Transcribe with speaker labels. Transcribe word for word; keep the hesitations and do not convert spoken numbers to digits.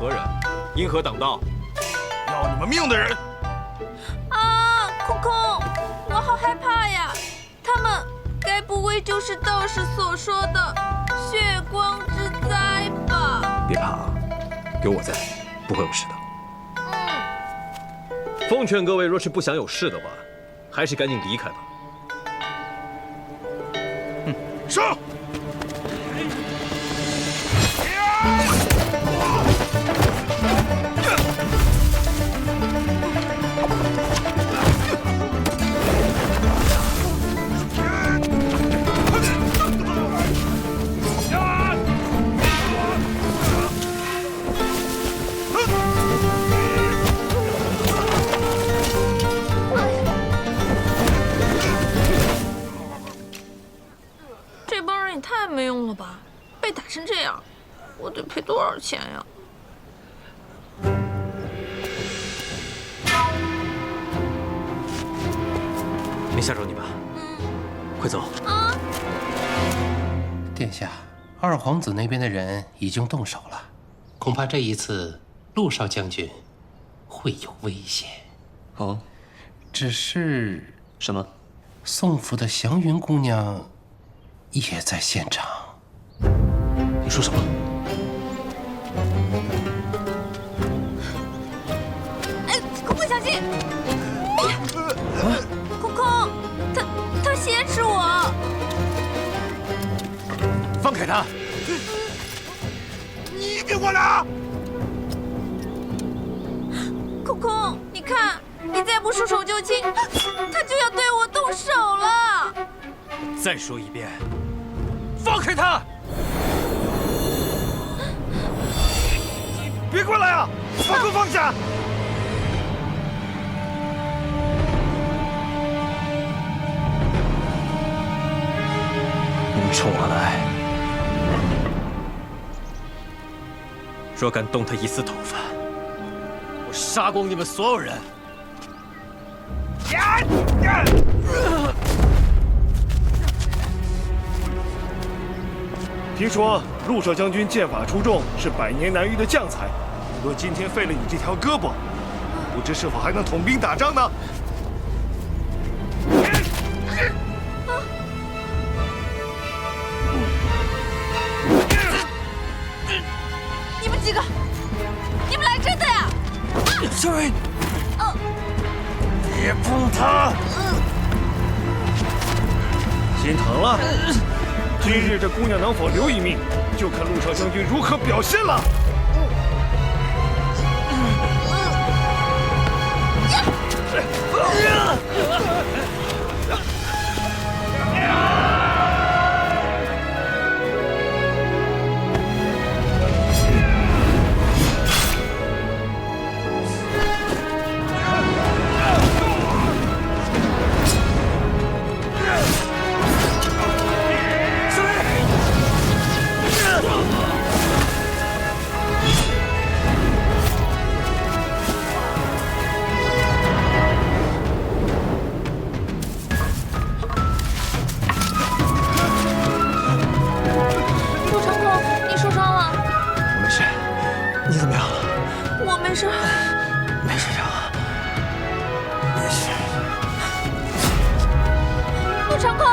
Speaker 1: 何人？因何挡道？
Speaker 2: 要你们命的人！
Speaker 3: 啊，空空，我好害怕呀！他们该不会就是道士所说的血光之灾吧？
Speaker 1: 别怕，有我在，不会有事的。
Speaker 3: 嗯。
Speaker 1: 奉劝各位，若是不想有事的话，还是赶紧离开吧。
Speaker 2: 嗯，上！
Speaker 3: 这帮人也太没用了吧！被打成这样，我得赔多少钱呀？
Speaker 1: 没吓着你吧？
Speaker 3: 嗯，
Speaker 1: 快走！
Speaker 3: 啊！
Speaker 4: 殿下，二皇子那边的人已经动手了，恐怕这一次陆少将军会有危险。
Speaker 5: 哦，
Speaker 4: 只是
Speaker 5: 什么？
Speaker 4: 宋府的祥云姑娘也在现场。
Speaker 5: 你说什么？
Speaker 3: 哎，空空小心！啊！空空，他他挟持我！
Speaker 1: 放开他！
Speaker 2: 你给我拿！
Speaker 3: 空空，你看，你再不束手就擒，他就要对我动手了！
Speaker 1: 再说一遍，放开他！
Speaker 2: 别过来啊！把狗放下！
Speaker 1: 你们冲我来！若敢动他一丝头发，我杀光你们所有人！
Speaker 2: 呀呀！听说陆少将军剑法出众，是百年难遇的将才。若今天废了你这条胳膊，不知是否还能统兵打仗呢？
Speaker 3: 你们几个，你们来真的呀？
Speaker 2: 少尉，
Speaker 3: 嗯，
Speaker 2: 别碰他！心疼了。今日这姑娘能否留一命，就看陆少将军如何表现了。
Speaker 3: 没事，
Speaker 5: 没事就好，没事。
Speaker 3: 陆长空。